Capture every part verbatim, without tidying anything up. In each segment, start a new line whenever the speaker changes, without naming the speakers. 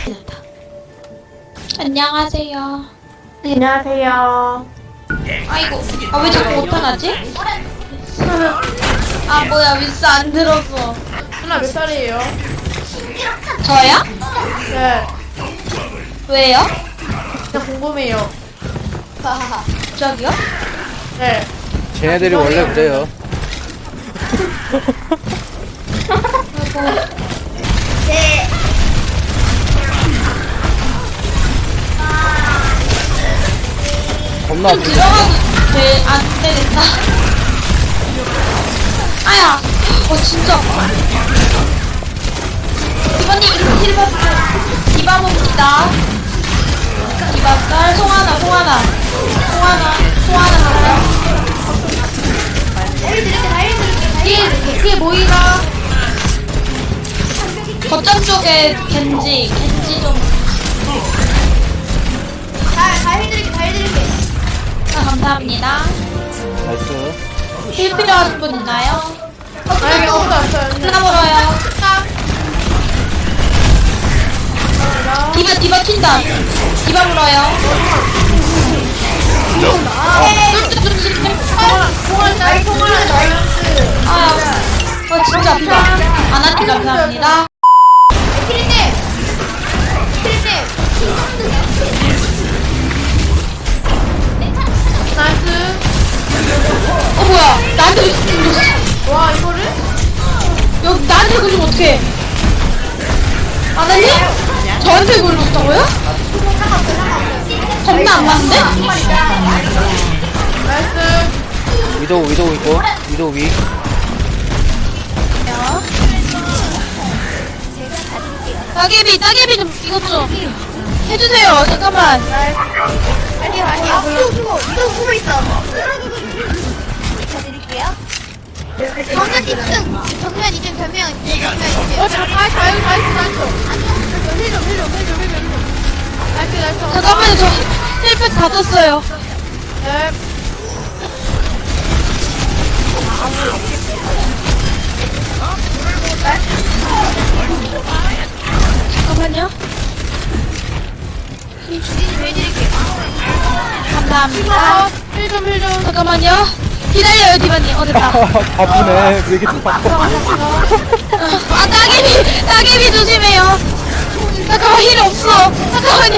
안녕하세요.
안녕하세요.
아이고, 아 왜 자꾸 못하나지? 아 뭐야, 윈스 안 들었어.
누나 몇 살이에요?
저요?
네.
왜요?
진짜 궁금해요.
저기요?
네.
쟤네들이 원래 그래요.
네.
겁나
좀
아프지?
들어가도 돼, 안 되겠다. 아야, 어 진짜. 이번님 이렇게 힐 받으세요. 디바봅니다. 디바짤 송하나, 송하나, 송하나, 송하나 가요. 뒤에 뒤에 모이라. 거점 쪽에 겐지, 겐지 좀.
다, 다 해드릴게, 다 해드릴게.
아, 감사합니다.
나이스.
힐 필요하신 분 있나요?
아니, 아무도 안 써요.
하나 물어요. 디바 디바 튄다. 디바 물어요.
통화, 나이 통화는 나이스.
아, 어 진짜 아프다. 아나님 감사합니다.
피리님! 피리님!
나이스.
어 뭐야? 나한테 굴렸어.
와, 이거를?
여기 나한테 굴리면 어떡해? 아나님? 저한테 굴렸다고요? 겁나 안 맞는데?
나이스.
위도우 위도우 있고 위도우 위.
따개비 따개비 좀 이것 좀 해주세요. 잠깐만.
아니요, 아니요. 아, 이거 숨어, 이거 숨어 있어. 드릴게요. 정면 이 층, 정면 이 층, 변명 이 층, 정면 이 층.
어, 자, 나이스, 나이스, 나이스, 나이스. 힐 좀, 힐 좀, 힐 좀, 힐 좀, 힐 좀. 나이스, 나이스.
잠깐만요. 저 힐팩 다 떴어요.
네.
잠깐만요.
해드릴게.
감사합니다.
힐 좀, 힐 좀.
잠깐만요. 기다려요, 디바님. 어, 됐다.
바쁘네. 왜 이렇게 또 바빠?
아, 따개비, 따개비 조심해요. 잠깐만, 힐 없어. 잠깐만요.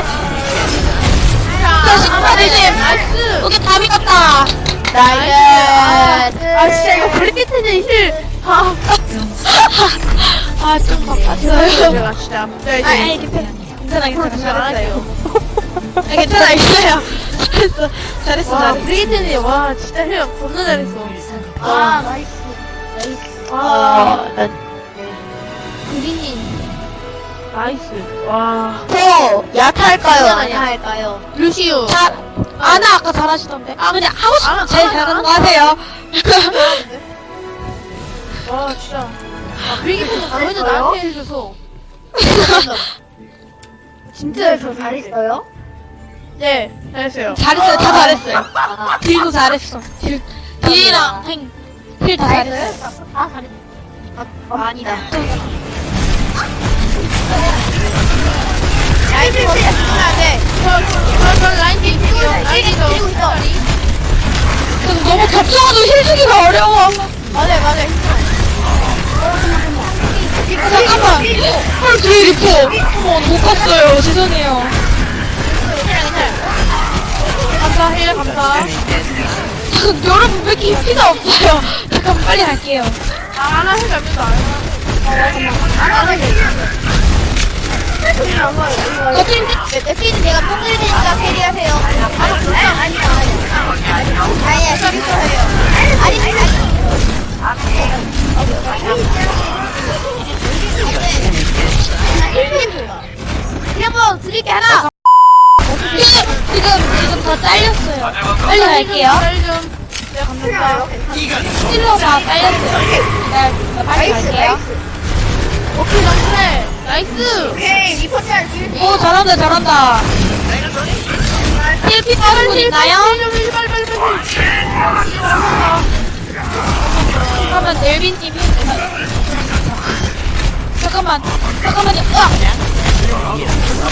다시, 다리님.
나이스.
여기 답이 같다.
나이스. 아, 진짜 이거 블리티는 힐. 아,
아, 좀 바빴어요.
제가 진짜. 네,
아,
이제.
아이, 괜찮아. 괜찮아, 괜찮아.
잘했어요.
아, 괜찮아, 괜찮아요. 잘했어. 잘했어,
와,
잘했어.
브리기트니, 와, 진짜 힐 겁나 잘했어.
아, 나이스.
와,
난.
브리님. 나이스. 와.
더 야타할까요?
아니야, 아니야.
야타할까요?
루시우.
잘, 아나 아까 잘하시던데. 아, 그냥 하고 싶은
아나,
제일
아나,
잘하는 거
아나.
하세요.
와, 진짜. 아, 브리기트는 너희들 나한테 해줘서.
진짜 저 잘했어요?
네, 잘했어요.
잘했어요. 다 잘했어요. 딜도 잘했어. 딜, 딜이랑 행, 힐 다 잘했어.
아, 잘했어. 아, 아니다.
라인 좀 해야 돼. 저, 저, 저 라인 좀 있어요. 라인 좀.
그리고 있어.
근데 너무 겹쳐가지고 힐 주기가 어려워.
맞아, 맞아.
잠깐만. 헐, 뒤에 리포. 어머, 못 갔어요. 죄송해요.
감사, 힐, 감사.
여러분, 왜 이렇게 피가 없어요? 잠깐 빨리 갈게요.
아, 하나 힐 잡는다.
거진,
에피는 제가 뽕을 드니까 캐리하세요. 아니, 아니, 아니, 아니. 아니야, 캐리하세요. 아니, 아니, 아니. 한번 드릴게 하나.
지금, 지금, 지금 다 잘렸어요. 빨리 갈게요.
힐 좀. 네, 감사합니다.
힐러 다 잘렸어요. 네, 빨리 갈게요.
오케이, 나이스. 나이스.
오케이, 리포트할 수
오, 잘한다, 잘한다. 힐피 빠른 분 있나요?
힐 좀, 힐 빨리, 빨리, 빨리.
그러면 넬빈님 힐. 잠깐만, 잠깐만요. 으악!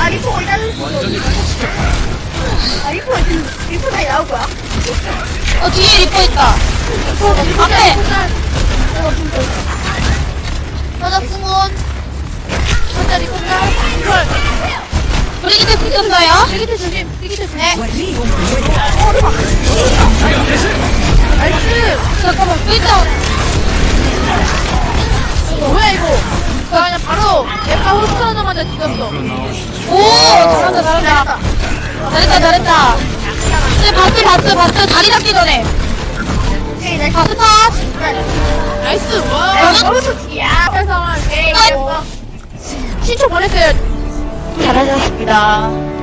아 리포 어디 가는 아 리포 리포 다시 나올 거야?
어 뒤에 리퍼 있다. 앞에.
저저 궁원.
혼자 리포 짤.
브리기테 붙였어요.
브리기테 조심. 브리기테 조심.
네.
나이스.
잠깐만 삐져.
뭐야 이거? 나 그냥 바로 얘가 홀스하자마자 죽였어.
오 잘한다 잘한다. 잘했다 잘했다. 네 바스 바스 바스 다리 잡기 전에.
오케이 나이스.
바스 파.
나이스. 와. 야. 세상에. 신청 보냈어요.
잘하셨습니다.